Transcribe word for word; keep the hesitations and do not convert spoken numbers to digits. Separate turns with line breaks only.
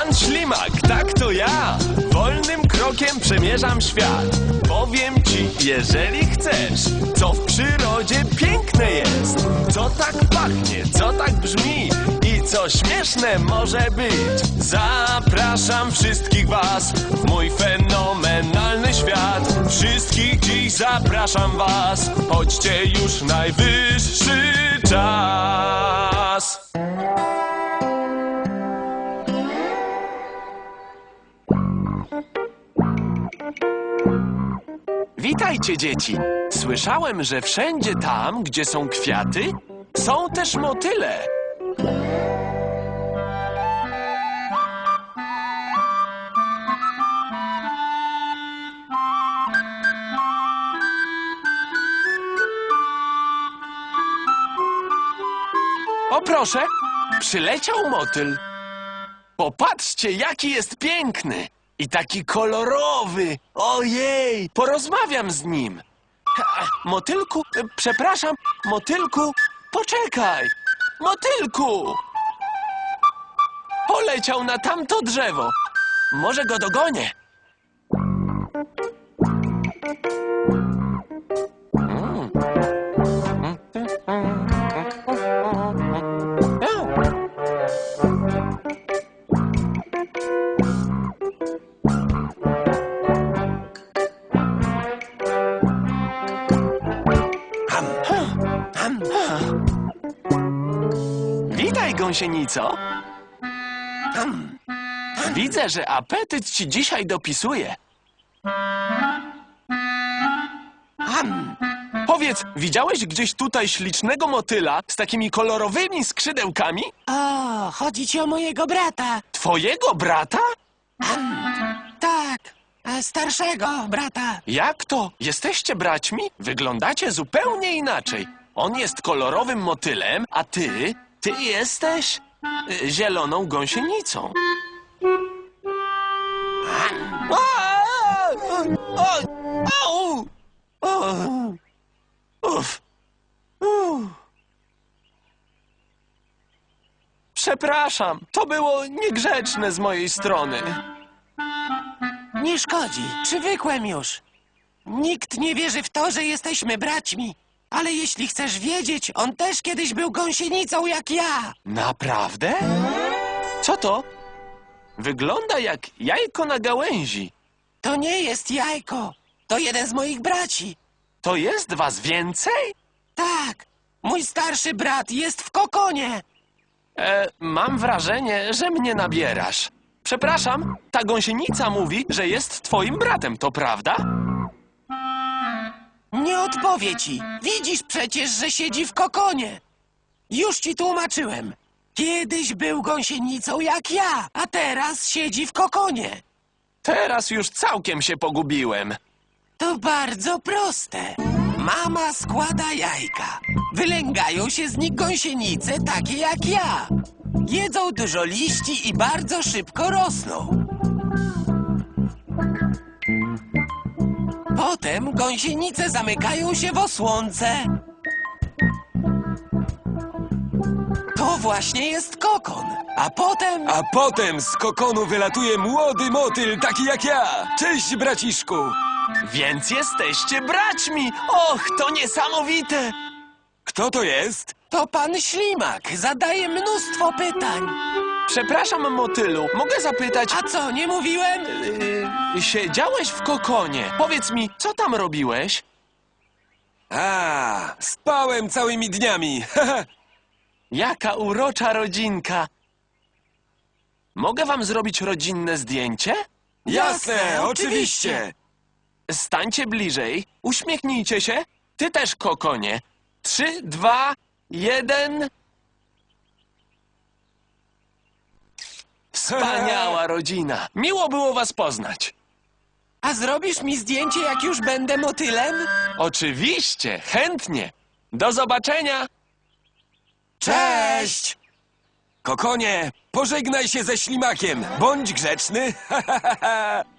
Pan Ślimak, tak to ja. Wolnym krokiem przemierzam świat. Powiem ci, jeżeli chcesz, co w przyrodzie piękne jest. Co tak pachnie, co tak brzmi i co śmieszne może być. Zapraszam wszystkich was w mój fenomenalny świat. Wszystkich dziś zapraszam was. Chodźcie, już najwyższy czas. Witajcie, dzieci! Słyszałem, że wszędzie tam, gdzie są kwiaty, są też motyle. O proszę, przyleciał motyl. Popatrzcie, jaki jest piękny i taki kolorowy. Ojej, porozmawiam z nim. Ha, motylku, e, przepraszam, motylku, poczekaj. Motylku! Poleciał na tamto drzewo. Może go dogonię. Mm. Witaj, gąsienico. Hmm. Widzę, że apetyt ci dzisiaj dopisuje. Hmm. Powiedz, widziałeś gdzieś tutaj ślicznego motyla z takimi kolorowymi skrzydełkami?
O, chodzi ci o mojego brata.
Twojego brata?
Tak, e, starszego brata.
Jak to? Jesteście braćmi? Wyglądacie zupełnie inaczej. On jest kolorowym motylem, a ty, ty jesteś y, zieloną gąsienicą. Au! Uf. Uf. Przepraszam, to było niegrzeczne z mojej strony.
Nie szkodzi, przywykłem już. Nikt nie wierzy w to, że jesteśmy braćmi. Ale jeśli chcesz wiedzieć, on też kiedyś był gąsienicą jak ja.
Naprawdę? Co to? Wygląda jak jajko na gałęzi.
To nie jest jajko, to jeden z moich braci.
To jest was więcej?
Tak, mój starszy brat jest w kokonie.
E, mam wrażenie, że mnie nabierasz. Przepraszam, ta gąsienica mówi, że jest twoim bratem, to prawda?
Nie odpowie ci. Widzisz przecież, że siedzi w kokonie. Już ci tłumaczyłem. Kiedyś był gąsienicą jak ja, a teraz siedzi w kokonie.
Teraz już całkiem się pogubiłem.
To bardzo proste. Mama składa jajka. Wylęgają się z nich gąsienice takie jak ja. Jedzą dużo liści i bardzo szybko rosną. Potem gąsienice zamykają się w osłonce. To właśnie jest kokon. A potem...
A potem z kokonu wylatuje młody motyl, taki jak ja. Cześć, braciszku.
Więc jesteście braćmi! Och, to niesamowite!
Kto to jest?
To pan Ślimak zadaje mnóstwo pytań.
Przepraszam, motylu, mogę zapytać...
A co, nie mówiłem?
Yy, siedziałeś w kokonie. Powiedz mi, co tam robiłeś?
A, spałem całymi dniami.
Jaka urocza rodzinka! Mogę wam zrobić rodzinne zdjęcie?
Jasne, oczywiście.
Stańcie bliżej, uśmiechnijcie się. Ty też, kokonie. Trzy, dwa, jeden... Wspaniała rodzina. Miło było was poznać.
A zrobisz mi zdjęcie, jak już będę motylem?
Oczywiście, chętnie. Do zobaczenia.
Cześć!
Kokonie, pożegnaj się ze Ślimakiem. Bądź grzeczny.